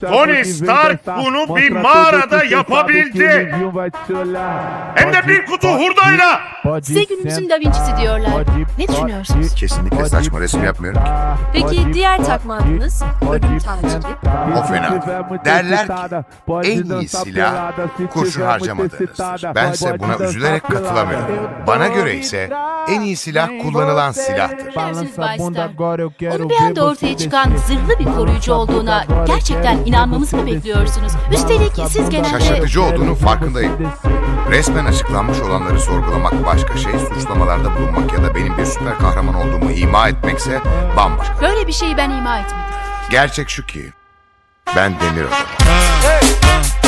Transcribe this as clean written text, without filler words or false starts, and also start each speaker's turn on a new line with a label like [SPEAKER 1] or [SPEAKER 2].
[SPEAKER 1] Tony Stark bunu bir mağarada yapabildi. Hem de bir kutu hurdayla.
[SPEAKER 2] Size günümüzün Da Vinci'si diyorlar. Ne düşünüyorsunuz?
[SPEAKER 3] Kesinlikle saçma resim yapmıyorum ki.
[SPEAKER 2] Peki diğer takma adınız? Ölüm taciri.
[SPEAKER 3] O fena. Derler ki en iyi silah kurşun harcamadığınızdır. Bense buna üzülerek katılamıyorum. Bana göre ise en iyi silah kullanılan silahtır.
[SPEAKER 2] Dersiniz Bay Stark. Onun bir anda ortaya çıkan zırhlı bir koruyucu olduğuna gerçekten inanmamızı mı bekliyorsunuz? Üstelik siz genelde...
[SPEAKER 3] Şaşırtıcı olduğunun farkındayım. Resmen açıklanmış olanları sorgulamak başka şey, suçlamalarda bulunmak ya da benim bir süper kahraman olduğumu ima etmekse bambaşka.
[SPEAKER 2] Böyle bir şeyi ben ima etmedim.
[SPEAKER 3] Gerçek şu ki ben demir adamım.